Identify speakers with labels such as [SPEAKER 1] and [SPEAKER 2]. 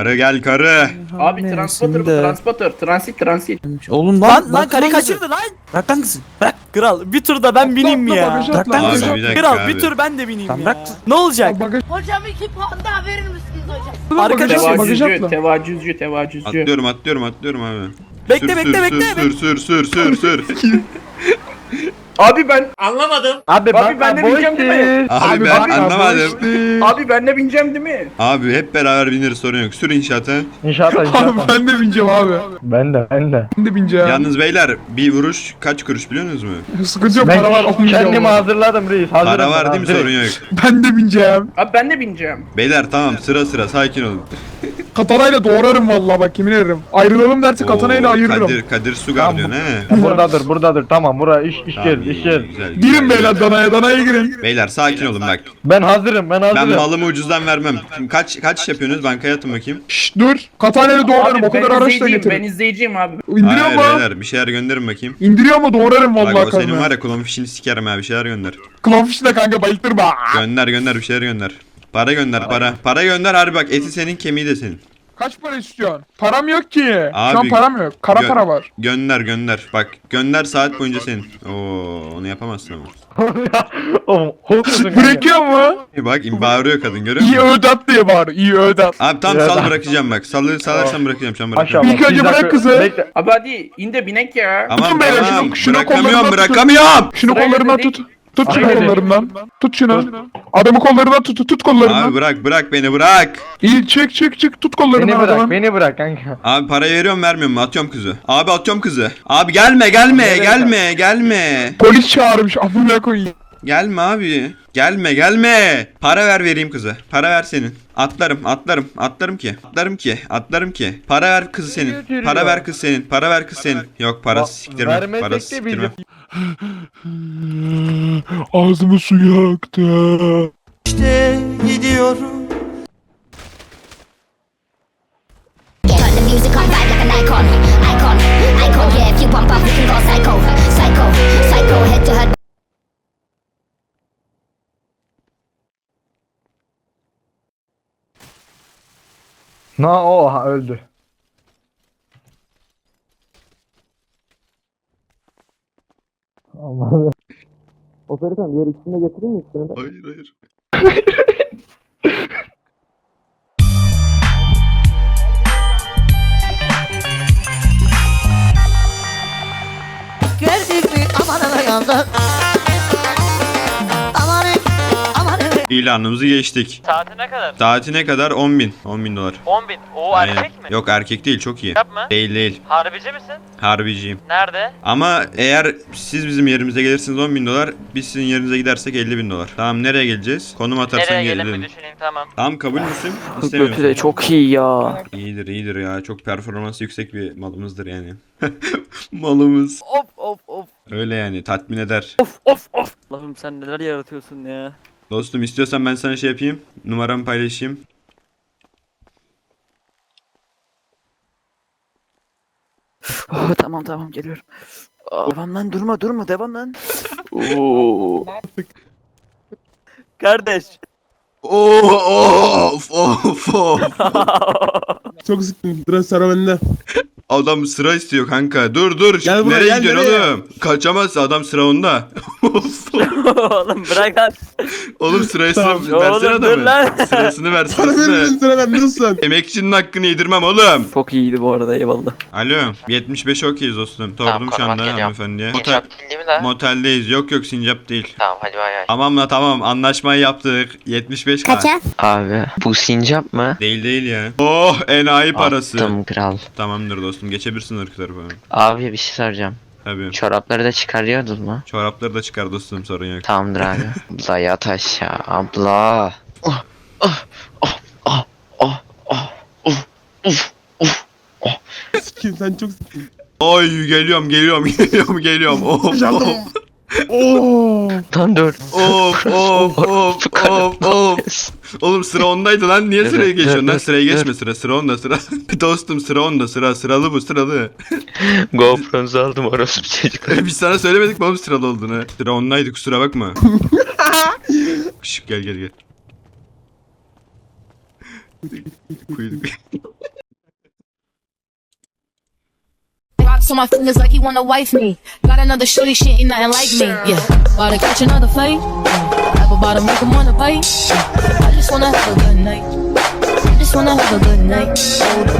[SPEAKER 1] Karı gel karı.
[SPEAKER 2] Abi transit.
[SPEAKER 3] Oğlum lan karı kaçırdı lan. Bırak lan kızı. Bırak. Kral bir tur da ben bineyim mi ya? Bırak lan
[SPEAKER 1] Abi,
[SPEAKER 3] kızı.
[SPEAKER 1] bir dakika
[SPEAKER 3] Kral
[SPEAKER 1] abi.
[SPEAKER 3] bir tur ben de bineyim
[SPEAKER 4] Tamam,
[SPEAKER 3] ya.
[SPEAKER 4] bırak.
[SPEAKER 3] Ne olacak?
[SPEAKER 5] Hocam 2 puan daha verir misiniz hocam?
[SPEAKER 3] Arkadaşım
[SPEAKER 2] Tevacüzcü.
[SPEAKER 1] Atlıyorum abi.
[SPEAKER 3] bekle bekle bekle.
[SPEAKER 1] Sür.
[SPEAKER 2] Abi ben
[SPEAKER 4] Abi
[SPEAKER 2] ben de bineceğim değil mi?
[SPEAKER 1] Abi ben anlamadım.
[SPEAKER 2] Abi ben de bineceğim değil mi?
[SPEAKER 1] Abi hep beraber bineriz, sorun yok. Sür inşaata.
[SPEAKER 4] İnşallah.
[SPEAKER 6] Ben de bineceğim abi.
[SPEAKER 4] Ben de.
[SPEAKER 6] Ben de bineceğim.
[SPEAKER 1] Yalnız beyler bir vuruş kaç kuruş biliyor musunuz mu?
[SPEAKER 6] Sıkıntı yok,
[SPEAKER 4] Ben
[SPEAKER 6] para var.
[SPEAKER 4] kendimi hazırladım reis. Hazırım
[SPEAKER 1] Para var
[SPEAKER 4] ben,
[SPEAKER 1] değil mi,
[SPEAKER 4] hazırım.
[SPEAKER 1] sorun yok.
[SPEAKER 6] Ben de bineceğim.
[SPEAKER 2] Abi ben de bineceğim.
[SPEAKER 1] Beyler tamam, sıra sakin olun.
[SPEAKER 6] Katanayla doğrarım vallahi, bak yemin ederim. Ayrılalım derse katanayla
[SPEAKER 1] Oo,
[SPEAKER 6] ayırırım.
[SPEAKER 1] Kadir Sugar diyorsun he.
[SPEAKER 4] Buradadır. Tamam iş
[SPEAKER 1] Tamam,
[SPEAKER 4] gel,
[SPEAKER 1] iyi,
[SPEAKER 4] iş gel.
[SPEAKER 1] güzel.
[SPEAKER 6] Girin beyler danaya girin.
[SPEAKER 1] Beyler sakin olun bak.
[SPEAKER 4] Ben hazırım.
[SPEAKER 1] Ben malımı ucuzdan vermem. Şimdi kaç yapıyorsunuz, bankaya atın bakayım.
[SPEAKER 6] Şşş dur. Katanayla doğrarım, o kadar araç da
[SPEAKER 2] Ben
[SPEAKER 6] getirin.
[SPEAKER 2] izleyeceğim abi.
[SPEAKER 6] İndiriyor
[SPEAKER 1] Hayır
[SPEAKER 6] mu?
[SPEAKER 1] beyler, bir şeyler gönderin bakayım.
[SPEAKER 6] İndiriyor mu? Doğrarım
[SPEAKER 1] Bak
[SPEAKER 6] vallahi
[SPEAKER 1] o senin var
[SPEAKER 6] karnına.
[SPEAKER 1] ya, kulağın fişini sikerim ha, bir şeyler gönder.
[SPEAKER 6] Klonfiş de kanka bayıltırma.
[SPEAKER 1] Gönder bir şeyler gönder. Para gönder para. Para gönder harbi, bak eti senin, kemiği de senin.
[SPEAKER 6] Kaç para istiyorsun? Param yok ki. Şu
[SPEAKER 1] Abi,
[SPEAKER 6] an param yok. Kara para var.
[SPEAKER 1] Gönder. Bak gönder, saat boyunca senin. Oo, onu yapamazsın ama.
[SPEAKER 4] Oğlum korkuyorsun
[SPEAKER 6] Bırakıyor mu?
[SPEAKER 1] Bak bağırıyor kadın, görüyor
[SPEAKER 6] İyi
[SPEAKER 1] musun?
[SPEAKER 6] ödat diye bağır. İyi ödat.
[SPEAKER 1] Abi tam
[SPEAKER 4] Ya
[SPEAKER 1] sal
[SPEAKER 4] da-
[SPEAKER 1] bırakacağım bak. Salarsan bırakacağım, şu an
[SPEAKER 4] Aşağı
[SPEAKER 1] bırakacağım.
[SPEAKER 6] İlk önce bırak kızı.
[SPEAKER 4] Bekle.
[SPEAKER 2] Abi hadi in de binek ya.
[SPEAKER 1] Aman
[SPEAKER 6] beyler,
[SPEAKER 1] tamam,
[SPEAKER 6] şunu
[SPEAKER 1] bırakamıyorum.
[SPEAKER 6] kollarından Şunu
[SPEAKER 2] Sırayla
[SPEAKER 6] kollarından
[SPEAKER 2] dedik.
[SPEAKER 6] tut. Tut şunu
[SPEAKER 4] Hayır.
[SPEAKER 6] kollarından. Tut şunu. Adamı kollarından tut kollarından.
[SPEAKER 1] Abi bırak beni bırak.
[SPEAKER 6] İyi çık tut kollarından adamın.
[SPEAKER 4] Beni bırak kanka.
[SPEAKER 1] Abi parayı veriyorum vermiyorum mu? Atıyorum kızı. Abi atıyorum kızı. Abi gelme.
[SPEAKER 6] Polis çağırmış amına koyayım.
[SPEAKER 1] Gelme abi. Gelme. Para vereyim kızı. Para ver senin. Atlarım ki. Para ver kızı senin. Para ver kız senin. Yok, parası siktirme.
[SPEAKER 4] Vermesek
[SPEAKER 1] Parası
[SPEAKER 4] de
[SPEAKER 1] siktirme.
[SPEAKER 6] Ağzımı su yaktı.
[SPEAKER 5] Turn the music on vibe like an icon. Yeah, if you bump up, we can go psycho, head to head.
[SPEAKER 4] Oha öldü.
[SPEAKER 1] Hayır.
[SPEAKER 5] Gördük mü aman yandı.
[SPEAKER 1] İlanımızı geçtik.
[SPEAKER 7] Saati ne kadar?
[SPEAKER 1] Saati ne kadar? 10.000. 10.000 dolar.
[SPEAKER 7] 10.000. O
[SPEAKER 1] Aynen.
[SPEAKER 7] erkek mi?
[SPEAKER 1] Yok, erkek değil, çok iyi.
[SPEAKER 7] Yapma.
[SPEAKER 1] Değil.
[SPEAKER 7] Harbici misin?
[SPEAKER 1] Harbiciyim.
[SPEAKER 7] Nerede?
[SPEAKER 1] Ama eğer siz bizim yerimize gelirsiniz 10.000 dolar. Biz sizin yerinize gidersek 50.000 dolar. Tamam, nereye geleceğiz? Konum atarsan
[SPEAKER 7] Nereye gelin bir
[SPEAKER 1] gelelim.
[SPEAKER 7] düşüneyim, tamam.
[SPEAKER 1] Tamam, kabul müsün?
[SPEAKER 3] Götü
[SPEAKER 1] İstemiyorsun.
[SPEAKER 3] de çok iyi ya.
[SPEAKER 1] İyidir ya. Çok performansı yüksek bir malımızdır yani. Malımız.
[SPEAKER 3] Of.
[SPEAKER 1] Öyle yani, tatmin eder.
[SPEAKER 3] Of. Allah'ım sen neler yaratıyorsun ya.
[SPEAKER 1] Dostum, istiyorsan ben sana şey yapayım. Numaramı paylaşayım.
[SPEAKER 3] Oh, tamam geliyorum. Devam lan, durma devam lan. Oo. Kardeş.
[SPEAKER 1] Of.
[SPEAKER 6] Çok sıktım. Biraz sıra bende.
[SPEAKER 1] Adam sıra istiyor kanka. Dur.
[SPEAKER 6] Gel buraya,
[SPEAKER 1] nereye
[SPEAKER 6] gel,
[SPEAKER 1] gidiyorsun
[SPEAKER 6] nereye?
[SPEAKER 1] oğlum? Kaçamaz, adam sıra onda.
[SPEAKER 3] Oğlum bırak lan.
[SPEAKER 1] Oğlum sırasını
[SPEAKER 6] Tamam.
[SPEAKER 1] versene
[SPEAKER 3] Oğlum, dur
[SPEAKER 1] adamı.
[SPEAKER 3] lan.
[SPEAKER 1] Sırasını ver,
[SPEAKER 6] Sıra
[SPEAKER 1] sırasını.
[SPEAKER 6] bende, sıra bende nasılsın?
[SPEAKER 1] Emekçinin hakkını yedirmem oğlum.
[SPEAKER 3] Çok iyiydi bu arada, eyvallah.
[SPEAKER 1] Alo, 75 okeyiz dostum. Sordum şu anda hanımefendiye.
[SPEAKER 7] Sincap değil mi lan?
[SPEAKER 1] Moteldeyiz. Yok Sincap değil.
[SPEAKER 7] Tamam hadi bay bay.
[SPEAKER 1] Tamam anlaşmayı yaptık. 75
[SPEAKER 5] Kaça?
[SPEAKER 8] Abi bu sincap mı?
[SPEAKER 1] Değil ya. Oh, enayi parası.
[SPEAKER 8] Attım kral.
[SPEAKER 1] Tamamdır dostum, geçebilirsin ırk tarafı.
[SPEAKER 8] Abi bir şey soracağım.
[SPEAKER 1] Tabii.
[SPEAKER 8] Çorapları da çıkarıyordun mu?
[SPEAKER 1] Çorapları da çıkar dostum, sorun yok.
[SPEAKER 8] Tamamdır abi. Abla yat aşağı abla.
[SPEAKER 6] Sikim sen çok sikim.
[SPEAKER 1] Oy, geliyorum. Of.
[SPEAKER 6] Oo.
[SPEAKER 8] Lan dur.
[SPEAKER 1] Of. Oğlum sıra ondaydı lan, niye sıraya geçiyorsun lan? Sıraya geçme, sıra onda. Dostum sıra onda, sıralı bu, sıralı.
[SPEAKER 8] GoPro'nuzu aldım orospu çocuklar.
[SPEAKER 1] Biz sana söylemedik mi oğlum sıralı olduğunu? Sıra ondaydı, kusura bakma. Şş, gel. Kuyruk.
[SPEAKER 9] on my fingers like he wanna wife me. Got another shorty, she ain't nothing like me. Yeah, about to catch another fight. Apple bottom, make him wanna bite. I just wanna have a good night. I just wanna have a good night.